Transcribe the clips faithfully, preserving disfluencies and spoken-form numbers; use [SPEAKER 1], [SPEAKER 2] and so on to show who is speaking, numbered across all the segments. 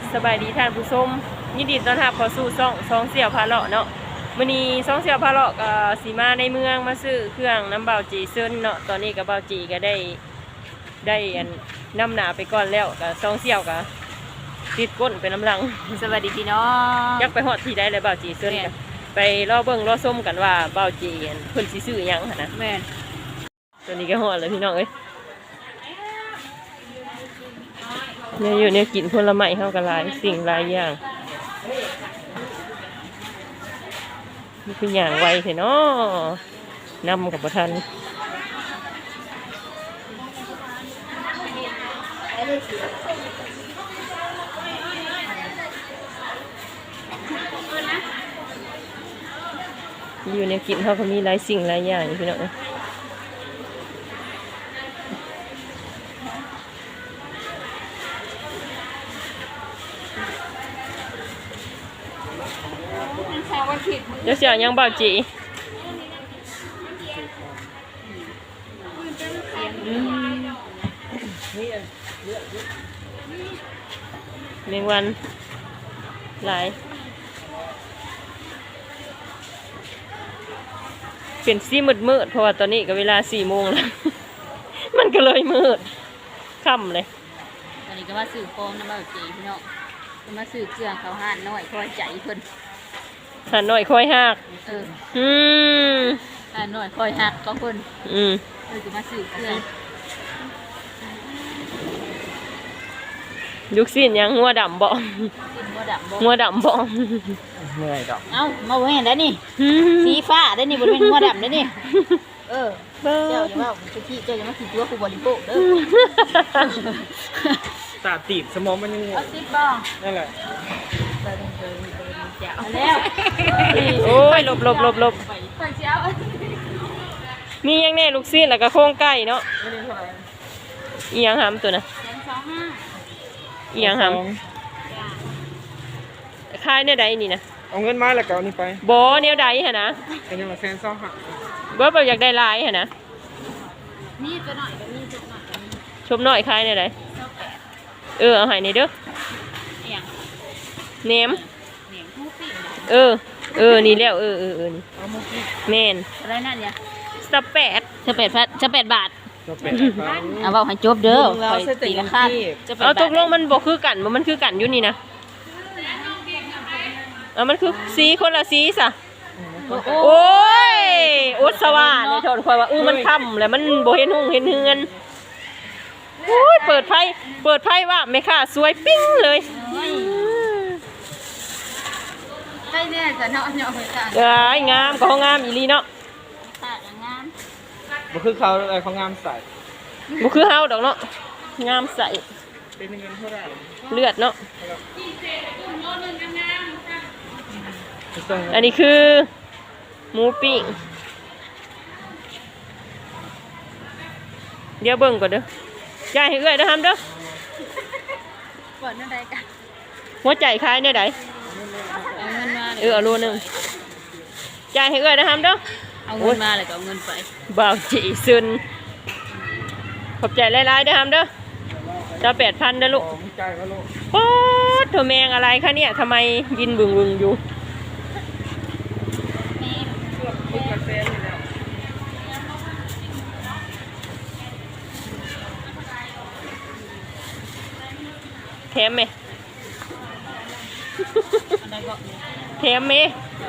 [SPEAKER 1] สบายดีท่านผู้ชมยินดีต้อนรับเข้าสู่ช่องช่องเสี่ยวพาเลาะเนาะมื้อนี้ช่องเสี่ยวพาเลาะก็สิมาในเมืองมาซื้อเครื่องน้ำเบาจีเซินเนาะตอนนี้ก็เบาจีก็ได้ได้อันนำหนาไปก่อนแล้วก็ช่องเสี่ยวก็ติดก้นไปน้ำลัง
[SPEAKER 2] สวัสดีพี่น้อง
[SPEAKER 1] ยักไปฮอดที่ใดเลยเบาจีเซินกันไปรอเบิ่งรอส้มกันว่าเบาจีอันเพิ่นสิซื้อหยังหั่นนะ
[SPEAKER 2] แม่น
[SPEAKER 1] ตอนนี้ก็ฮอดเลยพี่น้องเอ้ยเนี่ยอยู่เนี่ยกินผลไม้เฮาก็หลายสิ่งหลายอย่างนี่คืออย่างไวเถอะเนาะนำกับประทันอยู่เนี่ยกินเขาก็มีหลายสิ่งหลายอย่างพี่น้องเดี๋ยวเสียยังเบาจีเมงวันหลายเป็นสีมืดมืดเพราะว่าตอนนี้ก็เวลาสี่โมงแล้ว มันก็เลยมืดค่ำเลย
[SPEAKER 2] ตอนนี้ก็มาสื่อโฟมน้ำเบาจีพี่น้องก็มาสื่อเครื่องเขาห่านน้อยคอยใจเพิ่น
[SPEAKER 1] หันหน่อยค่อยหัก
[SPEAKER 2] เออ
[SPEAKER 1] อืม
[SPEAKER 2] ห่านน้อยคอยหักก็เพิ่น
[SPEAKER 1] อืม
[SPEAKER 2] เออจะมาสื่อเครื่อง
[SPEAKER 1] ยุกสิ้นยังงัวดำบ่
[SPEAKER 2] กินบ่ดำบ่
[SPEAKER 1] งัวดำบ่
[SPEAKER 3] เหนื่อยดอก
[SPEAKER 2] เอ้ามาเห็นได้นี่สีฟ้าได้นี่บ่เป็นหัวดำได้นี่เออเจ้าอย่าว่าสุกี้เจ้าอย่ามาขี้ตัวผู้บริโภคเด้อ
[SPEAKER 3] ตาตีบสมองมันยัง
[SPEAKER 2] เอาสิบบ่
[SPEAKER 3] นั่นแหละ
[SPEAKER 2] เดินเดินเดินเจ้าแล้ว
[SPEAKER 1] โอ้ยหลบหลบหลบหลบ
[SPEAKER 2] ไปไปเจ้า
[SPEAKER 1] มียังแน่ลูกสิ้นแล้วก็โค้งไก่เนาะ
[SPEAKER 3] ไม่ได้เท่าไหร่
[SPEAKER 1] อีหยังหำตัวน่ะ
[SPEAKER 2] แสนสองห้า
[SPEAKER 1] อีหยังห
[SPEAKER 2] จ้า
[SPEAKER 1] ำคายเนี่ยใดนี่นะ
[SPEAKER 3] เอาเงินมาแล้วก็เอานี่ไป
[SPEAKER 1] บ่เนี่ยใดหั่นนะ
[SPEAKER 3] เป็นยังไงแซนซ่องหัก
[SPEAKER 1] บ่แบบอยากได้หลายหั่นนะ
[SPEAKER 2] นี่ตัวหน่อยกับนี่ตัวหน่อยกับนี่
[SPEAKER 1] ชมน้อยคายเนี่ยใด
[SPEAKER 2] เท่าแปด
[SPEAKER 1] เออเอาให้นี่เด้อ
[SPEAKER 2] เอียง
[SPEAKER 1] แหนม
[SPEAKER 2] เหนียงผู้ปีน
[SPEAKER 1] เออเออนี่แล้วเออเออเออนี่
[SPEAKER 2] เอามุกี้
[SPEAKER 1] แม่น
[SPEAKER 2] อะไรนั่นเนี่ย
[SPEAKER 1] สแปด
[SPEAKER 2] จะเป็ดพัดจะเป็ดบาท
[SPEAKER 3] ก็เป็นครับ
[SPEAKER 2] เอาเอาให้จบเด้อคอยตีละขั้นจะเป็ด
[SPEAKER 1] เอา
[SPEAKER 2] บาท
[SPEAKER 1] ตกลงมันบ่คือกันบ่มันคือกันอยู่นี่นะเอามันคือสีคนละสีซะ โอ้ยอุตสวาในถอนคอยว่าเออมันค่ำแล้วมันโบเห็นหงเห็นเฮือนโอ้ยเปิดไฟเปิดไฟว่าไม่ค่ะสวยปิ้งเลย
[SPEAKER 2] ใช่เนี่ยจะเนาะเนาะไปจ้า
[SPEAKER 1] เอ้ยงามก็งามอีหลีเนาะ
[SPEAKER 2] ค่ะงาม
[SPEAKER 3] บ่คือเขาอะไรเขางามใส่
[SPEAKER 1] บ่คือเฮาดอกเนาะงามใส
[SPEAKER 3] เป็นเงินเท่าไหร่
[SPEAKER 1] เลือดเนาะ
[SPEAKER 3] ต้อง
[SPEAKER 1] อันนี้คือหมูปิ้งเดี๋ยวเบิ่งก่อนเด้อจ่ายให้เอื้อยเด้อฮัมเด้อ
[SPEAKER 2] เปิดนั่นใดกัน
[SPEAKER 1] หัวใจคล้ายเนี่ยใด
[SPEAKER 2] เอาเงินมา
[SPEAKER 1] เออเอาโลนึงจ่ายให้เอื้อยเด้อฮัมเด้อ
[SPEAKER 2] เอาเงินมาเลยก็เอาเงินไป
[SPEAKER 1] บ่าวจีซึนขอบใจหลายๆเด้อฮัมเด้อจะแปดพันเด้อลูก
[SPEAKER 3] ของใจก็ลูก
[SPEAKER 1] โอ๊ยเธอแมงอะไรคะเนี่ยทำไมยินบึงบึงอยู่
[SPEAKER 3] เกือบเกือบแซนอยู่แล้ว
[SPEAKER 1] แถมไหม
[SPEAKER 2] อะไรก็
[SPEAKER 1] แถมไหม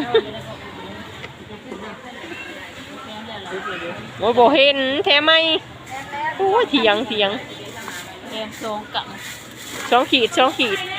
[SPEAKER 1] โอ้ยบ่เห็นแถมไหมโอ้ยเถียงเถียง
[SPEAKER 2] แกงทรงกับ
[SPEAKER 1] สองขีดสองขีด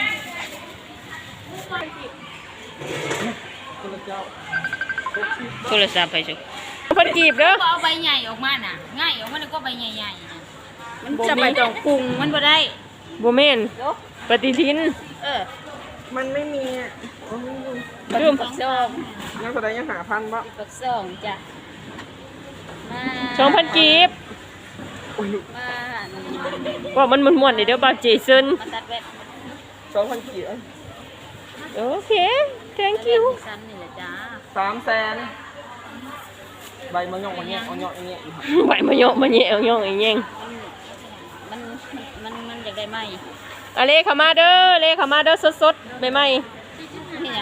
[SPEAKER 3] คนละเจ้า
[SPEAKER 1] โทรศัพท์ไปสิพันกีบเด้อ
[SPEAKER 2] ก็เอาใบใหญ่ออกมาน่ะง่ายออกมาแล้วก็ใบใหญ่ๆน่ะมันจะไปตองปรุงมันบ่ได้
[SPEAKER 1] บ่แม่นปฏิทิน
[SPEAKER 2] เออ
[SPEAKER 3] มันไม่มีอ่ะ
[SPEAKER 1] ลืม
[SPEAKER 2] ปักซอง
[SPEAKER 3] ยังแสดงยังหาพันบ่
[SPEAKER 2] ปักซองจ้ะมา
[SPEAKER 1] สองพันกีบ
[SPEAKER 2] มา
[SPEAKER 1] ว่ามันม่วนๆเด้อบ่าวจีซึน
[SPEAKER 2] มาตัดแว่น
[SPEAKER 3] สองพันกี่
[SPEAKER 1] โอเค thank you
[SPEAKER 2] สั้นนี่แหละจ้า
[SPEAKER 3] สามแสนใบมะยงมะเงี้ยเอาเงาะอย่างเงี้ยอีก
[SPEAKER 1] ใบมะยอมะแยะย่องไอ้แยง
[SPEAKER 2] มันมันมันมันอยากได้ไหม
[SPEAKER 1] อะเลเข้ามาเด้อเลเข้ามาเด้อสดๆใหม่
[SPEAKER 2] นี่หยัง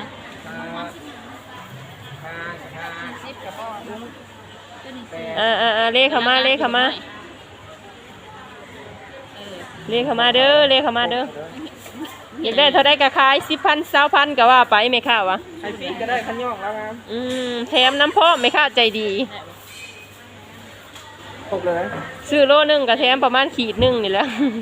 [SPEAKER 3] สิบกับพ่อ
[SPEAKER 1] ๆอ่าๆๆเลเข้ามาเลเข้ามาเลเข้ามาเด้อเลเข้ามาเด้ออยากได้เท่าได้ก็ขายสิบพันสามพันก็ว่าไปไม่ค่าวะ
[SPEAKER 3] ไข่ปีกก็ได้ขันย่องแล้วครับ
[SPEAKER 1] อืมแถมน้ำพ่อไม่ค่าใจดี
[SPEAKER 3] ตกเลย
[SPEAKER 1] ซื้อโลนึงก็แถมประมาณขีดหนึงนี่แหละ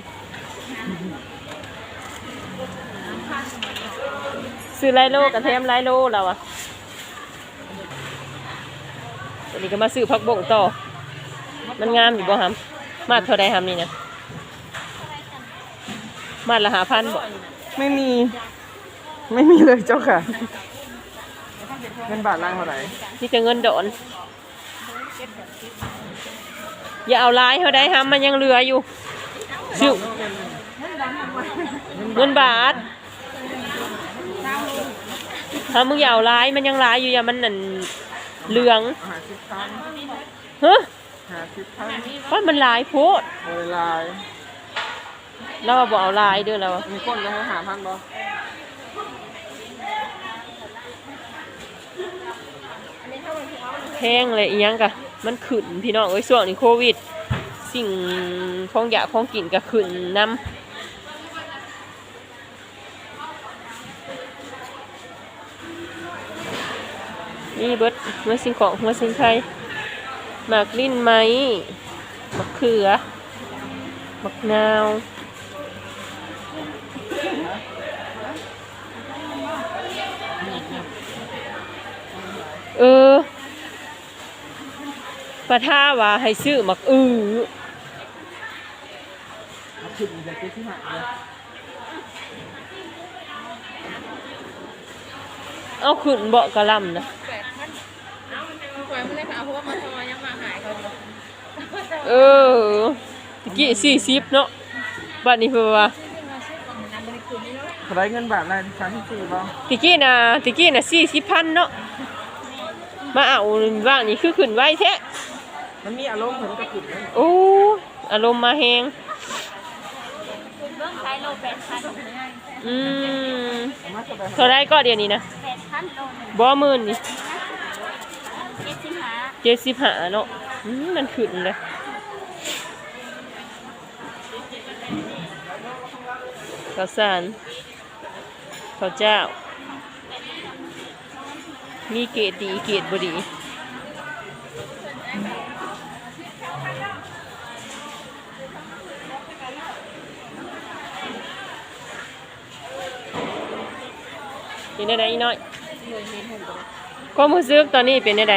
[SPEAKER 1] ซื้อไรโลก็แถมไรโลแล้วอะวันนี้ก็มาซื้อผักบงต่อมันงามอยู่บ่ฮัมมาดเท่าใดฮัมนี่นะมาดละหาพันบ่
[SPEAKER 3] ไม่มี ไม่มีเลยเจ้าค่ะเงินบาทล่างเท่าไหร่
[SPEAKER 1] นี่จะเงินดอนอย่าเอาลายเท่าใดฮัมมันยังเหลืออยู่ซื้อเงินบาทถ้ามึงอย่าเอาลายมันยังลายอยู่อย่ามันนั่นเหลือง
[SPEAKER 3] หาสิบพัน
[SPEAKER 1] ฮะ
[SPEAKER 3] หาสิบพัน
[SPEAKER 1] ว่ามันลายโพด
[SPEAKER 3] โอ้ยลาย
[SPEAKER 1] เราบอกเอาลายเด้อเรา
[SPEAKER 3] มีก้นแล้วหาพันบ่
[SPEAKER 1] แพงเลยอีหยังกะมันขึ้นพี่น้องเอ้ยช่วงนี้โควิด สิ่งของอยากของกินก็ขึ้นนำนี่เบิดเมื่อสิ่งของเมื่อสิ่งไทยหมากลิ้นไหมมะเขือมะนาวเออปะท่าว่าให้ซื้อหมักอือ
[SPEAKER 3] ขึ้นอีกแล้วที่หาเลย
[SPEAKER 1] เอาขึ้นเบาะกระลำนะเออตะกี้สี่สิบเนาะบัดนี้เพื่อว่า
[SPEAKER 3] เท่าไหรเงินบาทล่างสามสิบสี่บ่
[SPEAKER 1] ตะกี้น่ะตะกี้น่ะสี่สิบพันเนาะมาเอาว่างนี่คือขึ้นไว้แท้
[SPEAKER 3] มันมีอารมณ์เหมือนกับขึ้นเลย
[SPEAKER 1] โอ้อารมณ์มาแหงอืม
[SPEAKER 3] เอามาสบาย
[SPEAKER 1] เท่าไรก็เดี๋ยวนี้นะบ่หมื่นนี่เจ็ดสิบห้าเนาะอืมมันขึ้นเลยข้าวสารข้าวเจ้ามีเกรดดีเกรดบ่ดีเป็นได้อีน้อยก็มือซึกตอนนี้เป็นได้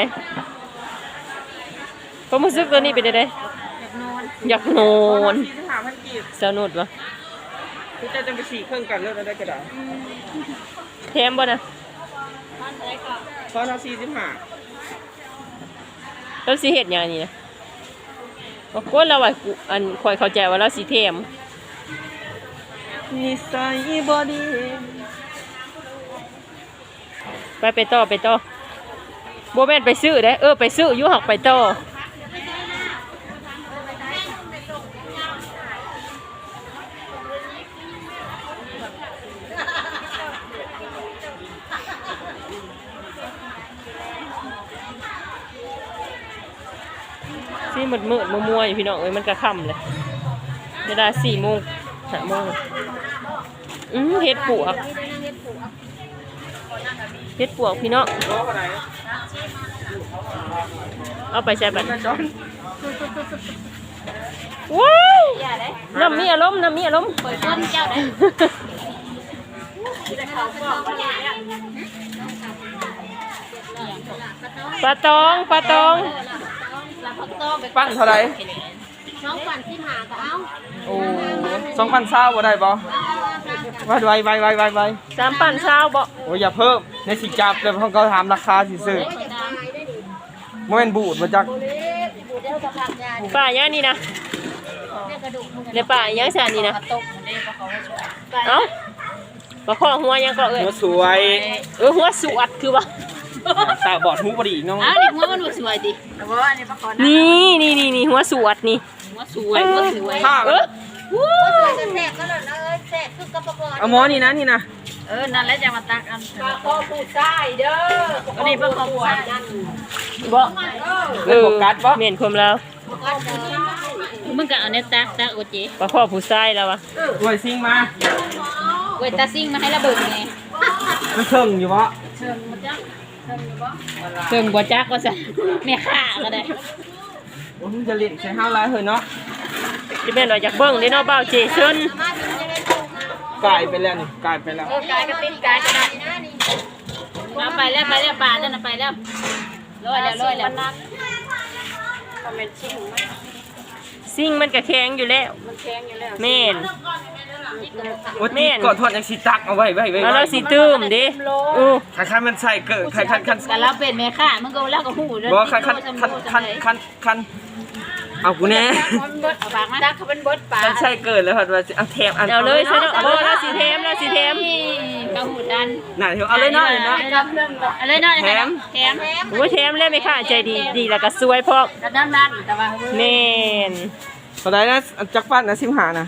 [SPEAKER 1] ก็มือซึกตอนนี้เป็นได้อยากนอน
[SPEAKER 3] สี่สิบห้าพันกีบ
[SPEAKER 1] สนุดวะ
[SPEAKER 3] คือจะจะไปสี่เครื่องกันเลิกได้ก็ได้
[SPEAKER 1] แถมบ่นะ
[SPEAKER 3] เพราะถ้าสี่สิบห้า
[SPEAKER 1] แล้วสิเฮ็ดหยังนี่นะบ่กวนเราว่ากูอันข่อยเข้าใจว่าเราสิแถม
[SPEAKER 3] นิสัยบอดี
[SPEAKER 1] ไปไปต่อไปต่อบ่แม่นไปซื้อเด้เออไปซื้ออยู่หักไปต่อสิมืดมืดมัวมัวอยู่พี่น้องเอ้ยมันก็ค่ำเลยเวลาสี่โมงห้าโมงอืมเฮ็ดปวกเฮ็ดปวกพี่น้อง
[SPEAKER 3] โลกอะไร
[SPEAKER 1] เอาไปใช้บัตร
[SPEAKER 3] แม่จอน
[SPEAKER 1] ว้าวน้ำมีอารมณ์น้ำมีอารมณ์
[SPEAKER 2] เปิดต้นเจ้าได้
[SPEAKER 1] ปลาตองปลาตอง
[SPEAKER 3] ปั้นเท่าไหร
[SPEAKER 2] น้องฝันที่หาก็เอา
[SPEAKER 3] โอ้สองพันเศร้าบ่ได้บ่ไวไวไวไวไวไว
[SPEAKER 1] สามปั่นเช้าบ่
[SPEAKER 3] โอ้ยอย่าเพิ่มในสิจับแต่เขาก็ถามราคาสิซื้อโมเมนบูดมาจาก
[SPEAKER 1] ป่าย่านี่นะในป่าย่างสานนี่นะเอ้าปลาข้อหัวยังก็เอ้ย
[SPEAKER 3] หัวสวย
[SPEAKER 1] เออหัวสวดคือว่า
[SPEAKER 3] ตาบอดหูบอดีอีกน้อง
[SPEAKER 2] อ้าวนี่หัวมันสวยดิแต่ว่าอันนี้ปลาคอนะ
[SPEAKER 1] นี่นี่นี่นี่หัวสวดนี่
[SPEAKER 2] หัวสวยหัวสวย
[SPEAKER 3] ถ้า
[SPEAKER 1] เออ
[SPEAKER 2] หัวสวยจะแสบก็เลยนะเอ้ยแซ่บคือกระป๋อง
[SPEAKER 3] เอาหมอนี่นะนี่นะ
[SPEAKER 2] เออนั่นแหละจะมาตักอัน
[SPEAKER 1] ปลาคอผู้ชายเด้อ
[SPEAKER 2] อันนี้เป็นของฝาก
[SPEAKER 1] บ่
[SPEAKER 3] เออกัดบ่
[SPEAKER 1] เมียนคมแล้ว
[SPEAKER 2] มึงก็เอาเนี่ยตักตักโอเจ
[SPEAKER 1] ปลาคอผู้ชายแล้ววะ
[SPEAKER 3] รวยซิงมา
[SPEAKER 2] เวตาซิ่งมาให้ระเบิดไง
[SPEAKER 3] มันเชิงอยู่บ่
[SPEAKER 2] เชิงบัวจักว่าสั่นแม่ข้าก็ได้
[SPEAKER 3] โอ้ยจะเล่นใส่ห้าวลายเฮ้ยเนาะ
[SPEAKER 1] ที่แม่นว่าอยากเบิ่งเด้เนาะเบาเจซึน
[SPEAKER 3] กลายไปแล้วนี่กลายไปแล้ว
[SPEAKER 2] เออกายก็ติดกายก็ได้เอาไปแล้วไปแล้วป่านั่นน่ะไปแล้วร้อยแล้วร้อยแล้ว
[SPEAKER 1] ซิ่งมันก็แข็งอยู่แล้วแม่น
[SPEAKER 3] โอ้ยกอดทอดยังสิตักเอาไว้ไว้ไว้
[SPEAKER 1] แล้วเราสิตื้มดิอู้
[SPEAKER 3] คันคันมันใส่เกิดคันคันคัน
[SPEAKER 2] แต่เราเป็นแม่ข้ามึงก็แล้วก็หูเด้อ
[SPEAKER 3] บ่คันคันคันคันคันคันเอากูแน่
[SPEAKER 2] เอาปากมาตักเขาเป็นบดปลา
[SPEAKER 3] คันใส่เกิดแล้วพัดว่าสิเอาแถมอัน
[SPEAKER 1] เอาเลยซะเนาะบ่เราสิแถมเราสิแถม
[SPEAKER 2] กระหูดัน
[SPEAKER 3] น่ะเดี๋ยวเอาเลยเนาะเลยเนาะ
[SPEAKER 2] เอาเลยเนาะ
[SPEAKER 3] แถม
[SPEAKER 2] แถม
[SPEAKER 1] โอ้ยแถมแล้วไม่ค่ะใจดีดีแล้วก็สวยพร้อม
[SPEAKER 2] กระด้านด้านแต่ว่า
[SPEAKER 1] แม่น
[SPEAKER 3] เท่าไหร่นะจักปั้นนะสิบห้านะ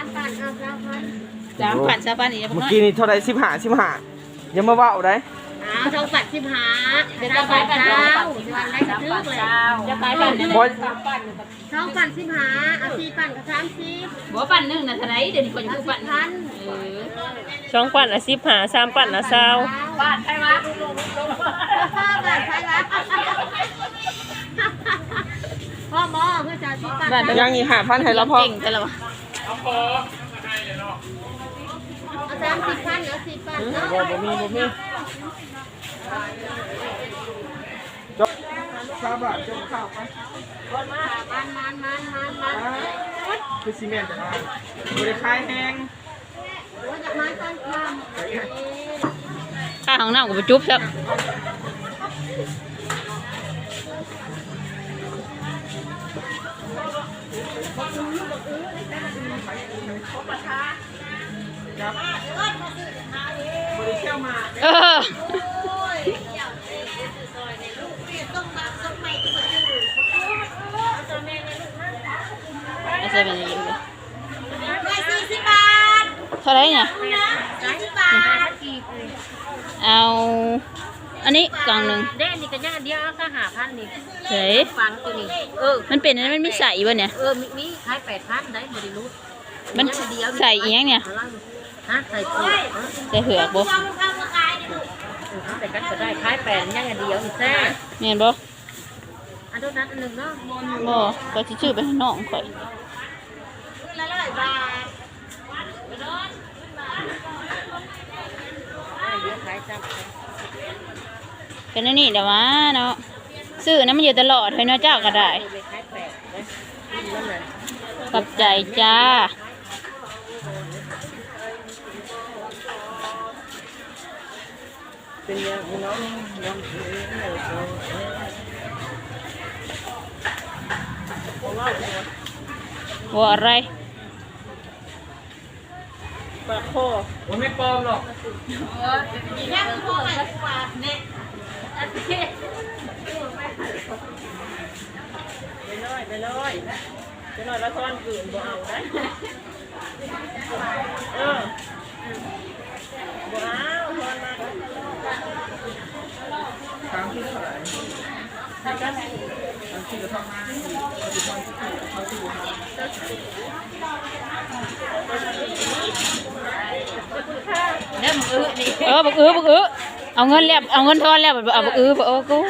[SPEAKER 2] สามพันสามพันอีก
[SPEAKER 3] เมื่อกี้นี่เท่าไหร่สิบห้าสิบห้าอย่ามาเว้าได้
[SPEAKER 2] อ้าวสองพันสิบห้าเดี๋ยวจะไปกันเจ้าวันแรกจะทึกเลยจะไปกัน
[SPEAKER 3] บ่
[SPEAKER 4] สองปั่นสิบหาเอาสี่ปั่นกับสามสิบ
[SPEAKER 2] บ่ปั่นหนึ่งนะเท่าไหรเดี๋ยวนี้คนจะปั่นพันเออ
[SPEAKER 1] สองปั่นละสิบหาสามปั่นละเศร้า
[SPEAKER 2] ปั่นใช่ไหม
[SPEAKER 4] พ่อปั่นใช่ไหมพ่อหมอเพื่อจะสี่ปั่น
[SPEAKER 3] ยังอีกห้าพันให้เราพอ
[SPEAKER 2] เก่งแต่ละวะ
[SPEAKER 4] เอาสามสิบพันเอาสี่ปั่นเนาะ
[SPEAKER 3] บ่บ่มีบ่มีจบสามบาทจบข้าวไป
[SPEAKER 4] มันมันมันมันมัน
[SPEAKER 3] คือซีเมนต์บ่ได้ขายแห้ง
[SPEAKER 4] โอ้ยจากไม้ต้นค
[SPEAKER 2] ข้าของน้ำกับไปจุ๊บครับ
[SPEAKER 3] บ่ได้เที่ยวมา
[SPEAKER 2] เออไม่ใช่เป็นอย่างนี้เลย
[SPEAKER 4] ำได้สี่สิบบาท
[SPEAKER 2] เท่าไหรเนี่ย
[SPEAKER 4] สี่สิบบาท
[SPEAKER 2] เอา อันนี้กล่องหนึ่ง
[SPEAKER 4] เด้นี่ก็ยังอันเดียวก็หาพันนี่
[SPEAKER 2] เฮ้ย
[SPEAKER 4] ฟังตัวนี้เออ
[SPEAKER 2] มันเป็นอันนั้นมันไม่ใส่วะเนี่ย
[SPEAKER 4] เออมีมีขายแปดพันได้บริรุษ
[SPEAKER 2] มันใส่อีกอย่างเนี่ย
[SPEAKER 4] ฮะใส่ปุ๋ย
[SPEAKER 2] ใส่เหือกบ่
[SPEAKER 4] แต่กันก็ได้ขายแปดยังอันเดียวอีกแซ่
[SPEAKER 2] เห็นบ่
[SPEAKER 4] อันนั้นอันหนึ่งเนาะ
[SPEAKER 2] บ่ก็สิชื่อไปให้น้องข่อย
[SPEAKER 4] ละร้อยบาทเดี๋ยวขายจับ
[SPEAKER 2] เป็นอันนี้เดี๋ยววะเนาะซื้อน้ำมันอยู่ตลอดให้เนาะเจ้าก็ได้
[SPEAKER 4] ไปขายแปดเลยนั่นแหละ
[SPEAKER 2] ขอบใจจ้า
[SPEAKER 3] เป็นยังเนาะยัง
[SPEAKER 2] ว่าอะไร
[SPEAKER 1] ปลาคอ
[SPEAKER 3] บ่ไม่ปลอมหรอก
[SPEAKER 4] ยังพอไหมกว่าเนี่ย
[SPEAKER 1] ไปเลยไปเลยไปเลยแล้วทอนกืนบ่เอาได้เออบ่เอาทอนมา
[SPEAKER 3] ตามที่เท่าไหร่ตามที่จะทำมาเขาที่เขา
[SPEAKER 2] เด้อมึงอื้อนี่เออบักอื้อบักอื้อเอาเงินแล้วเอาเงินทอนแล้วเอาบักอื้อบ่โอ้กู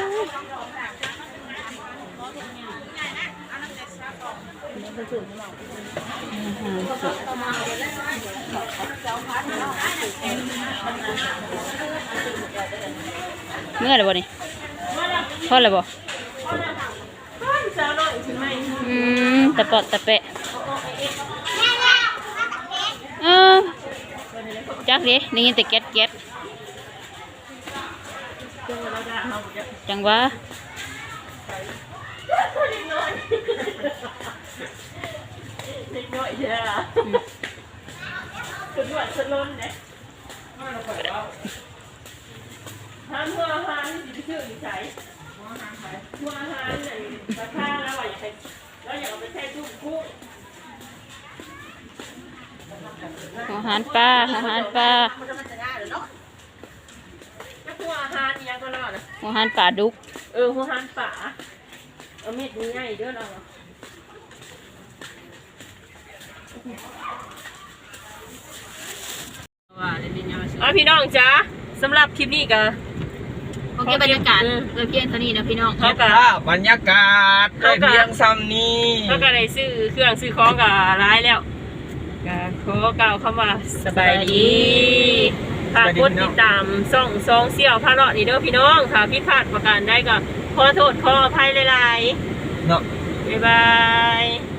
[SPEAKER 2] เมื่อไรบ่นี่ทอดเลยบ่
[SPEAKER 1] สาวน้อยใช่ไหม
[SPEAKER 2] อืมตะปอดตะเปะเออจักดิได้ยินแต่แก๊สแก๊สจังวะ
[SPEAKER 1] เด็กน้อยเด้อสุดหวานสุดล้นเนี่ยทานหัวอาหารที่ชื่อใส่หัวอาหารใส่หัวอาหารเนี่ยราคาแล้วว่าอยากไปแล้วอยากเอาไปแช่ตู้กุ้ง
[SPEAKER 2] อาหารารปลาอาหารปลา
[SPEAKER 1] หัวอาหารยังก็รอดนะ
[SPEAKER 2] อาหารปลาดุก
[SPEAKER 1] เออหัวอาหารป่าเอาเม็ดนี้ง่ายเด้อเราอ่ะพี่น้องจ้าสำหรับคลิปนี้ก็
[SPEAKER 2] โอเคบรรยากาศเออเพียงเท่านี้นะพี่น้อง
[SPEAKER 1] เขาก็
[SPEAKER 3] บรรยากาศได้เพียงซ้ำนี้
[SPEAKER 1] เขาก็ได้ซื้อเครื่องซื้อของกับร้ายแล้วก็ขอกล่าวคำว่าสบายดีฝากกดติดตามส่องซองเสี่ยวพาเลาะนี่เด้อพี่น้องถ้าผิดพลาดประการใดก็ขอโทษขออภัยหลาย
[SPEAKER 3] เนาะ
[SPEAKER 1] ๆบ๊ายบาย